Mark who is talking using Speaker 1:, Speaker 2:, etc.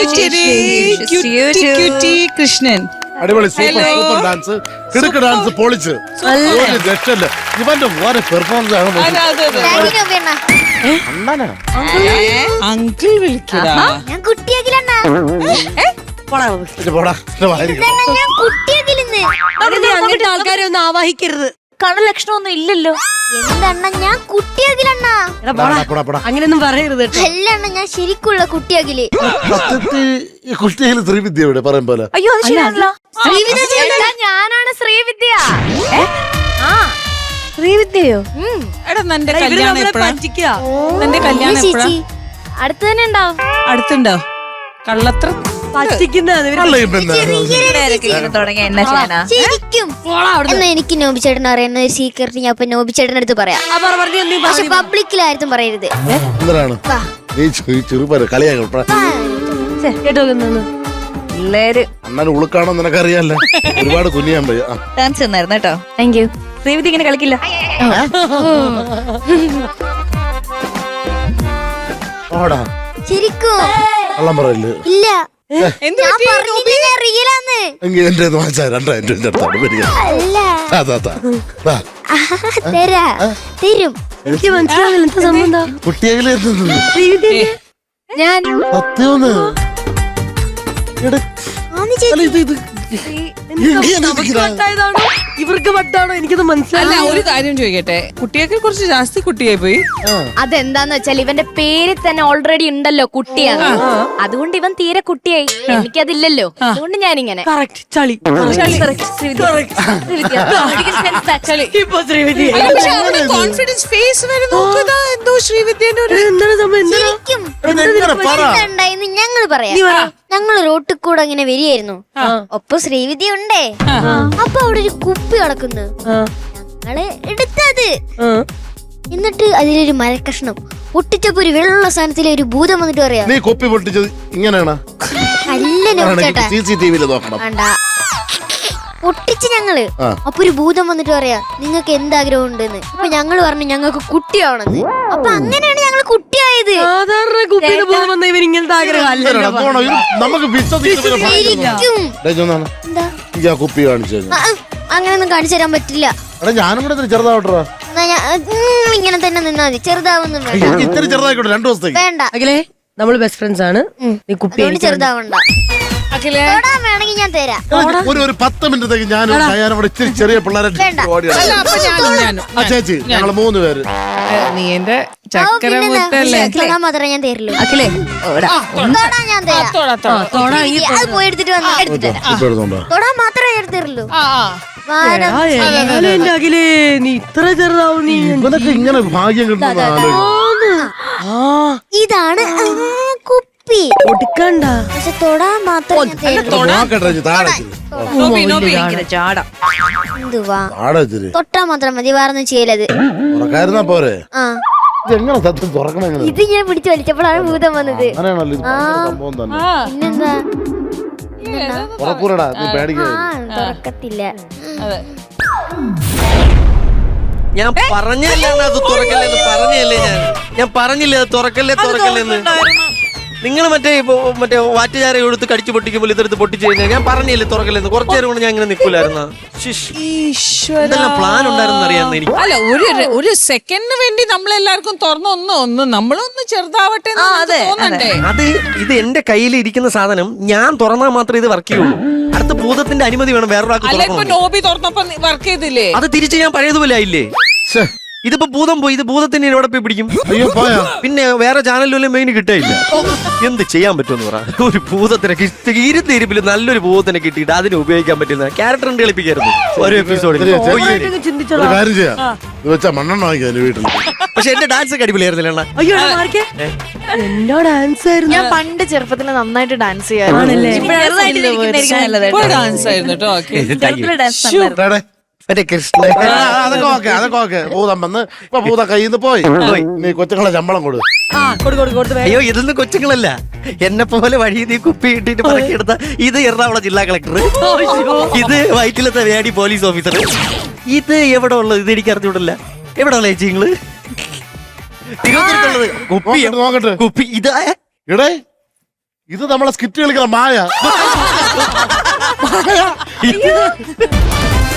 Speaker 1: കൃഷ്ണൻ.
Speaker 2: അടിപൊളി, super dance, കിടുക്ക് dance, പൊളിച്ച്. ഒരു രക്ഷയില്ല. ഇവന്റെ ഓരോ പെർഫോമൻസ് ആണ്.
Speaker 1: അങ്കിൾ വിളിക്കടാ.
Speaker 3: ഞാൻ കുട്ടിയാകിലണ്ണ.
Speaker 4: അങ്ങനത്തെ ആൾക്കാരെ ഒന്നും ആവാഹിക്കരുത്.
Speaker 3: കണലക്ഷണമൊന്നും ഇല്ലല്ലോ. എന്തണ്ണ ഞാൻ കുട്ടിയാകിലണ്ണ.
Speaker 4: അങ്ങനെയൊന്നും പറയരുത്.
Speaker 3: അല്ല അണ്ണ, ഞാൻ ശരിക്കുള്ള കുട്ടിയാകില്.
Speaker 2: കുട്ടിയിൽ ശ്രീവിദ്യ ഇവിടെ പറയും പോലെ.
Speaker 3: അയ്യോ അത് ശരിയാണല്ലോ. ഞാനാണ് ശ്രീവിദ്യ.
Speaker 4: ശ്രീവിദ്യയോ?
Speaker 1: എടാ നിന്റെ കല്യാണം എപ്പോഴാ? നിന്റെ കല്യാണം എപ്പോഴാ?
Speaker 3: അടുത്ത് തന്നെ ഉണ്ടാവും.
Speaker 1: അടുത്തുണ്ടോ? കള്ളത്ര
Speaker 3: ശരിക്കും എന്നാ എനിക്ക് നോബി ചേട്ടൻ അറിയുന്ന ഒരു സീക്രട്ട് ഞാൻ നോബി ചേട്ടൻ്റെ അടുത്ത് പറയാം. പക്ഷെ പബ്ലിക്കിലായിരുന്നു പറയരുത്.
Speaker 2: അണ്ണൻ ഉളുക്കാണോ നിനക്കറിയാലോ. ഒരുപാട് കുനിയാൻ പോയി.
Speaker 3: ഡാൻസ് തന്നായിരുന്നു കേട്ടോ. Thank you. ശ്രീവിദ്യ ഇങ്ങനെ കളിക്കില്ല. ശരിക്കും
Speaker 2: കള്ളം പറയില്ല.
Speaker 3: ഇല്ല.
Speaker 2: എന്റെ
Speaker 3: തരും.
Speaker 4: എനിക്ക് മനസ്സിലാവില്ല എന്താ സംബന്ധം.
Speaker 2: കുട്ടിയെങ്കിലും
Speaker 3: ഞാൻ
Speaker 4: ഇവർക്ക് വട്ടാണോ എനിക്കത് മനസ്സിലായില്ല.
Speaker 1: ഒരു കാര്യം ചോദിക്കട്ടെ, കുട്ടിയൊക്കെ കുറച്ച് ജാസ്തി കുട്ടിയായി പോയി.
Speaker 3: അതെന്താന്ന് വെച്ചാൽ ഇവന്റെ പേര് തന്നെ ഓൾറെഡി ഉണ്ടല്ലോ കുട്ടിയാണ്. അതുകൊണ്ട് ഇവൻ തീരെ കുട്ടിയായി. എനിക്കതില്ലല്ലോ, അതുകൊണ്ട് ഞാനിങ്ങനെ
Speaker 1: കോൺഫിഡൻസ് ഫേസ് എന്തോ ശ്രീവിദ്യന്റെ ഒരു
Speaker 3: ഞങ്ങള് പറയാം. ഞങ്ങൾ റോട്ടിൽ കൂടെ അങ്ങനെ വരികയായിരുന്നു. ഒപ്പം ശ്രീവിദ്യ ഉണ്ടേ. അപ്പൊ അവിടെ ഒരു കുപ്പി കിടക്കുന്നു. ഞങ്ങള് എടുത്തത്. എന്നിട്ട് അതിലൊരു മരക്കഷ്ണം പൊട്ടിച്ചപ്പോ ഒരു വെള്ള സ്ഥാനത്തിലെ ഒരു ഭൂതം വന്നിട്ട് പറയാ,
Speaker 2: നീ കുപ്പി പൊട്ടിച്ചത് ഇങ്ങനെയാണ്.
Speaker 3: പൊട്ടിച്ച് ഞങ്ങള്. അപ്പൊ ഒരു ഭൂതം വന്നിട്ട് പറയാ, നിങ്ങൾക്ക് എന്താഗ്രഹം ഉണ്ടെന്ന്. അപ്പൊ ഞങ്ങള് പറഞ്ഞു ഞങ്ങൾക്ക് കുട്ടിയാവണെന്ന്. അപ്പൊ അങ്ങനെയാണ് ഞങ്ങള് കുട്ടിയായത്.
Speaker 4: സാധാരണ കുപ്പിയിൽ പോകുന്ന ഇവർ ഇങ്ങനത്തെ ആഗ്രഹം
Speaker 2: കുപ്പി കാണിച്ചു.
Speaker 3: അങ്ങനെയൊന്നും കാണിച്ചു തരാൻ പറ്റില്ല.
Speaker 2: ഞാനും കൂടെ ചെറുതാവട്ടോ.
Speaker 3: ഇങ്ങനെ തന്നെ നിന്നാ മതി. ചെറുതാവൊന്നും
Speaker 2: ഇത്തിരി ചെറുതായിക്കോട്ടെ. 2 ദിവസത്തേക്ക്
Speaker 3: വേണ്ട.
Speaker 4: അഖിലേ, നമ്മള് ബെസ്റ്റ് ഫ്രണ്ട്സ് ആണ്. നീ കുപ്പി
Speaker 3: ചെറുതാവണ്ട. വേണമെങ്കിൽ ഞാൻ തരാം.
Speaker 2: ഒരു 10 മിനിറ്റത്തേക്ക് ഞാൻ അവിടെ ഇത്തിരി ചെറിയ പിള്ളേരെ ചേച്ചി ഞങ്ങള് 3 പേര്.
Speaker 1: നീ എന്റെ ചക്കര മുത്തല്ലേ.
Speaker 3: മാത്രമേ ഞാൻ തരുള്ളൂ.
Speaker 4: അഖിലേ,
Speaker 3: ഞാൻ തരാം. പോയി എടുത്തിട്ട് തൊടാൻ മാത്രമേ ഞാൻ തരുള്ളൂ.
Speaker 4: എന്റെ അഖിലേ, നീ ഇത്ര ചെറുതാവും. നീ
Speaker 2: ഇങ്ങനെ ഭാഗ്യം കിട്ടുന്നതാണ്.
Speaker 3: ഇതാണ് കുപ്പി.
Speaker 4: ഒടുക്കണ്ട.
Speaker 3: പക്ഷെ തൊടാൻ മാത്രം തൊട്ടാ മാത്രം മതി. വേറൊന്നും ചെയ്യലത്.
Speaker 2: പോരെ.
Speaker 3: ഇത് ഞാൻ പിടിച്ചു വലിച്ചപ്പോഴാണ് ഭൂതം വന്നത്. പിന്നെന്താ തുറക്കത്തില്ല.
Speaker 5: ഞാൻ പറഞ്ഞല്ലേ അത് തുറക്കല്ലേന്ന്. പറഞ്ഞല്ലേ ഞാൻ പറഞ്ഞില്ലേ അത് തുറക്കല്ലേന്ന്. നിങ്ങൾ മറ്റേ വാറ്റുചാര എടുത്ത് കടിച്ചു പൊട്ടിക്കുമ്പോൾ ഇതെടുത്ത് പൊട്ടിച്ചു കഴിഞ്ഞാൽ ഞാൻ പറഞ്ഞില്ലേ തുറക്കല്ലെന്ന്. കുറച്ചു നേരം കൊണ്ട് ഞാൻ ഇങ്ങനെ നിൽക്കൂലായിരുന്ന. പ്ലാൻ ഉണ്ടായിരുന്നു അറിയാന്ന് എനിക്ക്.
Speaker 1: അല്ല, ഒരു സെക്കൻഡിന് വേണ്ടി നമ്മളെല്ലാവർക്കും തുറന്ന് നമ്മളൊന്ന് ചെറുതാവട്ടെ.
Speaker 5: അത് ഇത് എന്റെ കയ്യിൽ ഇരിക്കുന്ന സാധനം ഞാൻ തുറന്നാൽ മാത്രമേ ഇത് വർക്ക് ചെയ്യുള്ളൂ. അടുത്ത ഭൂതത്തിന്റെ അനുമതി വേണം വേറൊരാൾക്ക്.
Speaker 1: നോബി തുറന്നപ്പോ വർക്ക് ചെയ്തില്ലേ?
Speaker 5: അത് തിരിച്ച് ഞാൻ പഴയതുപോലെ ആയില്ലേ. ഇതിപ്പോ ഭൂതം പോയി. ഇത് ഭൂതത്തിന് എവിടെ പോയി പിടിക്കും? പിന്നെ വേറെ ചാനലിലും മെയിൻ കിട്ടില്ല. എന്ത് ചെയ്യാൻ പറ്റുമെന്ന് പറ. ഒരു ഭൂതത്തിനെ ഇരുന്നിരിപ്പിൽ നല്ലൊരു ഭൂതത്തിനെ കിട്ടിയിട്ട് അതിനെ ഉപയോഗിക്കാൻ പറ്റുന്ന ക്യാരക്ടർ കളിപ്പിക്കായിരുന്നു ഒരു എപ്പിസോഡിൽ. പക്ഷെ എന്റെ ഡാൻസ് ഒക്കെ അടിപൊളിയായിരുന്നില്ല.
Speaker 6: ഞാൻ പണ്ട് ചെറുപ്പത്തിൽ നന്നായിട്ട് ഡാൻസ് ചെയ്യാറുണ്ട്.
Speaker 5: മറ്റേ കൃഷ്ണ
Speaker 2: അതൊക്കെ ഭൂതം വന്ന് ഇപ്പൊ ഭൂത കയ്യിൽ നിന്ന് പോയി. നീ കൊച്ചുങ്ങളെ ശമ്പളം കൊടു.
Speaker 5: അയ്യോ, ഇതൊന്നും കൊച്ചുങ്ങളല്ല. എന്നെ പോലെ വഴി നീ കുപ്പി ഇട്ടിട്ട് പറക്കിയെടുത്ത ഇത് എറണാകുളം ജില്ലാ കളക്ടർ, ഇത് വൈറ്റിലത്തെ വേടി പോലീസ് ഓഫീസർ. ഇത് എവിടെ ഉള്ളത്? ഇത് എനിക്ക് അറിഞ്ഞൂടല്ല. എവിടെ ഉള്ള ചേച്ചി നിങ്ങള്? തിരുവനന്തപുരത്തുള്ളത് കുപ്പി. ഇതാ
Speaker 2: ഇത് നമ്മളെ സ്കിറ്റ് കളിക്കുന്ന മായ